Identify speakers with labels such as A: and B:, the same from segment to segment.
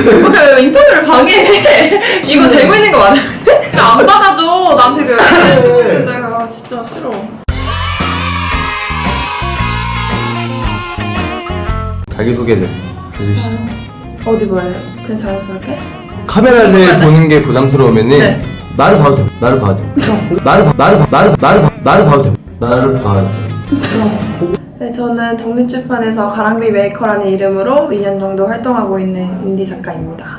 A: 왜 인터뷰를 방해해? 이거 되고 있는 거 맞아? 안 받아줘. 난 되게 열심히 내가 진짜 싫어.
B: 자기소개를 해주시죠.
A: 어디 봐야 돼요? 그냥 자연스럽게?
B: 카메라를 보는 게 부담스러우면은
A: 네.
B: 나를 봐도 돼. 나를 봐도 돼. 나를 봐도 돼. 나를 봐도 돼.
A: 네, 저는 독립출판에서 가랑비 메이커라는 이름으로 2년 정도 활동하고 있는 인디 작가입니다.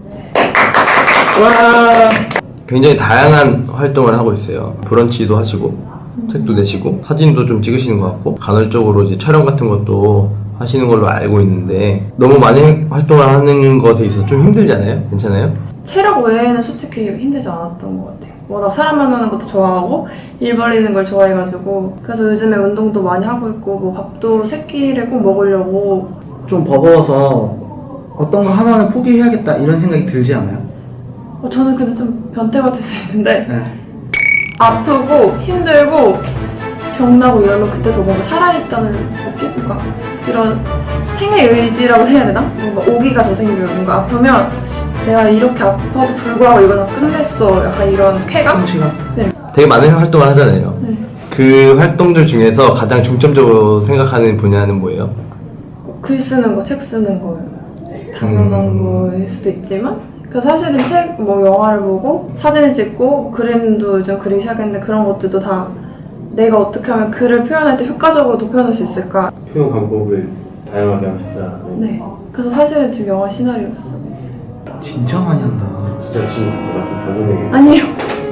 B: 와. 굉장히 다양한 활동을 하고 있어요. 브런치도 하시고, 책도 내시고, 사진도 좀 찍으시는 것 같고, 간헐적으로 이제 촬영 같은 것도 하시는 걸로 알고 있는데, 너무 많이 활동을 하는 것에 있어서 좀 힘들잖아요? 괜찮아요?
A: 체력 외에는 솔직히 힘들지 않았던 것 같아요. 워낙 사람 만나는 것도 좋아하고 일 벌리는 걸 좋아해가지고 그래서 요즘에 운동도 많이 하고 있고 뭐 밥도 세 끼를 꼭 먹으려고.
C: 좀 버거워서 어떤 거 하나는 포기해야겠다 이런 생각이 들지 않아요?
A: 저는 근데 좀 변태 같을 수 있는데
C: 네.
A: 아프고 힘들고 병나고 이러면 그때 더 뭔가 살아있다는 느낌? 뭔가 그런 생의 의지라고 해야 되나? 뭔가 오기가 더 생겨요. 뭔가 아프면 내가 이렇게 아파도 불구하고 이거는 끝냈어. 약간 이런 쾌감?
C: 성취감?
A: 네.
B: 되게 많은 활동을 하잖아요.
A: 네.
B: 그 활동들 중에서 가장 중점적으로 생각하는 분야는 뭐예요?
A: 글 쓰는 거, 책 쓰는 거예요. 당연한 거일 수도 있지만 그 사실은 책, 뭐 영화를 보고 사진을 찍고 그림도 요즘 그리기 시작했는데 그런 것들도 다 내가 어떻게 하면 글을 표현할 때 효과적으로 더 표현할 수 있을까?
D: 표현 방법을 다양하게 하고 싶다.
A: 네. 그래서 사실은 지금 영화 시나리오도 쓰고 있어요.
C: 진짜 많이 한다.
D: 진짜 친구보다 좀 반성해야겠다.
A: 아니요.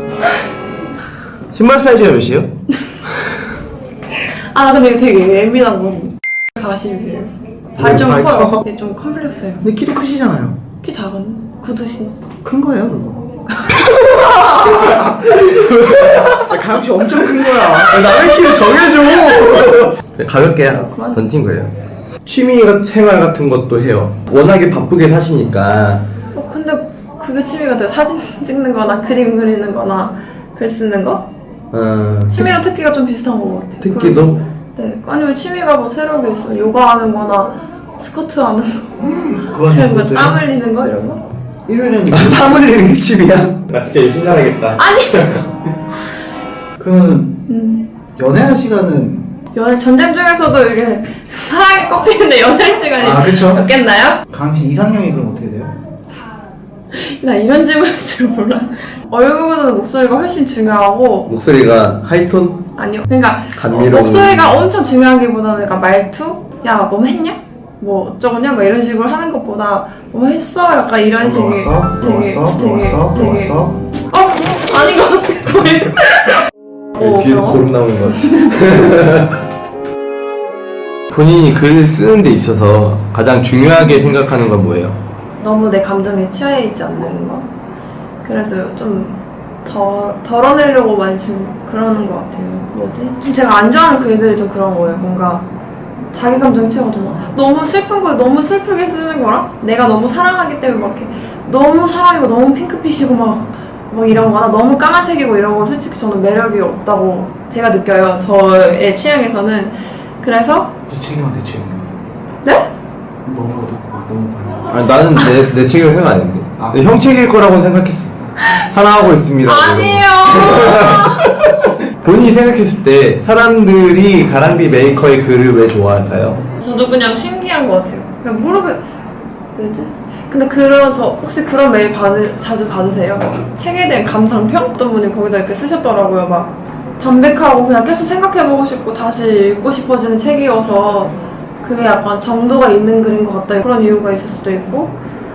B: 신발 사이즈가 몇이에요?
A: 아 근데 이거 되게 예민한 거. 40이에요. 발이 좀
C: 발이
A: 커요.
C: 커서?
A: 이게 좀 컴플렉스예요.
C: 근데 키도 크시잖아요.
A: 키 작은 구두 신었어.
C: 큰 거예요, 그거. 가격이 엄청 큰 거야.
B: 남의 키를 정해줘! 가볍게
A: 그만.
B: 던진 거예요. 취미 생활 같은 것도 해요. 워낙에 바쁘게 사시니까.
A: 근데 그게 취미가 돼요. 사진 찍는 거나 그림 그리는 거나 글 쓰는 거? 취미랑 특기가 좀 비슷한 것 같아요.
B: 특기도?
A: 네. 아니면 취미가 뭐 새로운 게 있어요. 요가 하는 거나 스쿼트 하는 거.
C: 그거
A: 그냥
C: 좀
A: 뭐땀 흘리는 거 이런 거?
C: 1년에
B: 땀 흘리는 게 취미야?
D: 나 진짜 열심히 살아야겠다.
C: 그러면 연애할 시간은
A: 연애 전쟁 중에서도 이게 사랑이 꼽히는데 연애 시간이
C: 아, 그쵸.
A: 없겠나요?
C: 강씨 이상형이 그럼 어떻게 돼요?
A: 나 이런 질문할 줄 몰라. 얼굴보다는 목소리가 훨씬 중요하고.
B: 목소리가 하이톤?
A: 아니요. 그러니까
B: 감미로운
A: 목소리가 엄청 중요하기보다는 그러니까 말투? 야, 뭐 했냐? 뭐 어쩌고냐? 뭐 이런 식으로 하는 것보다 뭐 했어? 약간 이런 식의
C: 먹었어?
A: 아닌 것 같아.
B: 뒤에서
A: 그럼?
B: 고름 나오는 것 같아. 본인이 글을 쓰는 데 있어서 가장 중요하게 생각하는 건 뭐예요?
A: 너무 내 감정에 취해 있지 않는 거. 그래서 좀 덜어내려고 많이 좀 그러는 것 같아요. 뭐지? 좀 제가 안 좋아하는 글들이 좀 그런 거예요. 뭔가 자기 감정에 취해가지고 너무 슬픈 거 너무 슬프게 쓰는 거랑 내가 너무 사랑하기 때문에 막 이렇게 너무 사랑이고 너무 핑크빛이고 뭐 이런 거나 너무 까만색이고 이런 거 솔직히 저는 매력이 없다고 제가 느껴요. 저의 취향에서는. 그래서
C: 제 책이랑 내 책이랑
A: 네?
C: 너무 어둡고 너무 밝아.
B: 아니, 나는 내 책을 생각 안 했는데.
C: 아.
B: 형 책일 거라고는 생각했어. 사랑하고 있습니다.
A: 아니에요.
B: 본인이 생각했을 때 사람들이 가랑비 메이커의 글을 왜 좋아할까요?
A: 저도 그냥 신기한 것 같아요. 그냥 왜지? 근데 혹시 그런 메일 자주 받으세요? 책에 대한 감상평? 어떤 분이 거기다 이렇게 쓰셨더라고요. 막 담백하고 그냥 계속 생각해보고 싶고 다시 읽고 싶어지는 책이어서 그게 약간 정도가 있는 글인 것 같다. 그런 이유가 있을 수도 있고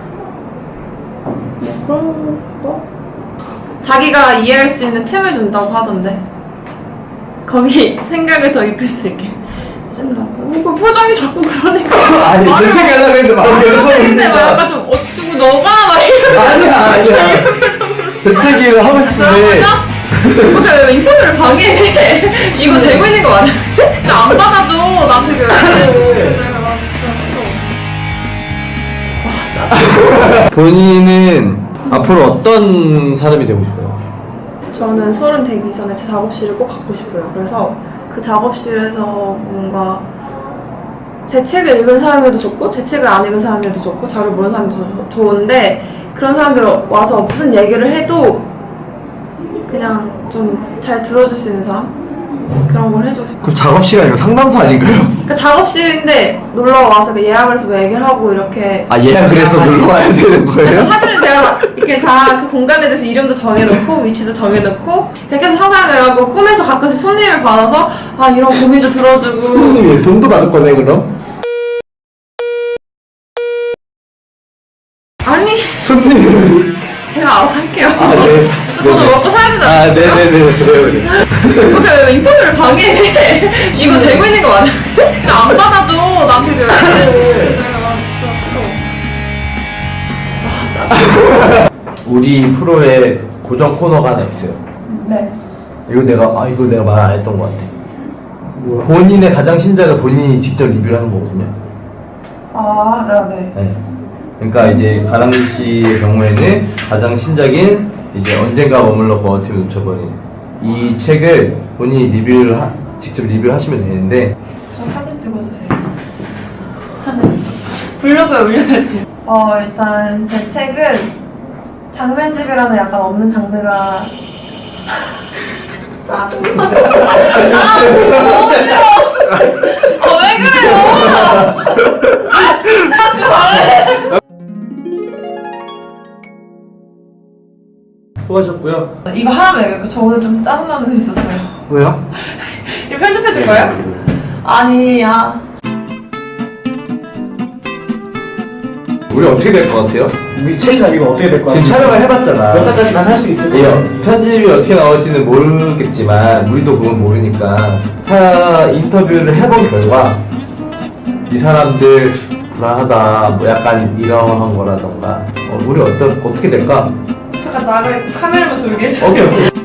A: 그런 거? 자기가 이해할 수 있는 틈을 준다고 하던데 거기 생각을 더 입힐 수 있게 해준다고. 그 표정이 자꾸 그러니까
B: 아니, 내 책이 하려고 했는데 마음이
A: 근데 막
B: 열받으니까.
A: 약간 좀 어쩌고 너가 막 이런
B: 아니야. 제 책을 하고 싶은데.
A: 근데 왜 인터뷰를 방해해? 이거 되고 있는 거 맞아? 안 받아줘. 나 되게
B: 본인은 앞으로 어떤 사람이 되고 싶어요?
A: 저는 30 되기 전에 제 작업실을 꼭 갖고 싶어요. 그래서 그 작업실에서 뭔가 제 책을 읽은 사람에도 좋고 제 책을 안 읽은 사람에도 좋고 저를 모르는 사람도 좋은데 그런 사람들 와서 무슨 얘기를 해도 그냥 좀 잘 들어줄 수 있는 사람? 그런 걸 해주고 싶어요.
B: 그럼 작업실이 이거 상담소 아닌가요?
A: 그러니까 작업실인데 놀러 와서 그 예약을 해서 뭐 얘기를 하고 이렇게
B: 아 예약을 해서 놀러 와야 되는
A: 그래서
B: 거예요?
A: 사실은 제가 이렇게 다 그 공간에 대해서 이름도 정해놓고 위치도 정해놓고 그렇게 해서 상상을 하고 꿈에서 가끔씩 손님을 받아서 아 이런 고민도 들어주고
B: 손님이 돈도 받을 거네 그럼?
A: 아니
B: 손님이
A: 제가 알아서 할게요.
B: 아 네.
A: 저도 먹고 살야 되잖아요.
B: 아 네네네. 그래요.
A: 근데 왜 인터뷰를 방해해? 이거 되고 있는 거 맞아? 그냥 안 받아줘. 나한테 그
B: 우리 프로에 고정 코너가 하나 있어요.
A: 네.
B: 이거 내가 말 안 했던 것 같아. 본인의 가장 신작을 본인이 직접 리뷰를 하는 거거든요.
A: 아, 네.
B: 네. 그러니까 이제 가랑이 씨의 경우에는 가장 신작인 이제 언젠가 머물러 버팀을 놓쳐버린 이 책을 본인이 직접 리뷰를 하시면 되는데
A: 저 사진 찍어주세요. 블로그에 올려야 돼요. 일단 제 책은 장편집이라는 약간 없는 장르가 짜증나. 너무 싫어. 왜 그래요? 하지 말래.
B: 수고하셨고요.
A: 이거 하나만 얘기할게요. 저 오늘 좀 짜증나는 일 있었어요.
B: 왜요?
A: 이거 편집해줄 거예요? 아니야.
B: 우리 어떻게 될 것 같아요?
C: 우리 체이가 이거 어떻게 될 거야?
B: 지금 촬영을 해봤잖아.
C: 몇 달까지만 할 수 있을 거야.
B: 예, 편집이 어떻게 나올지는 모르겠지만 우리도 그건 모르니까 인터뷰를 해본 결과 이 사람들 불안하다 뭐 약간 이런 거라던가 우리 어떻게 될까?
A: 잠깐 나를 카메라만 돌게 해주세요.
B: 오케이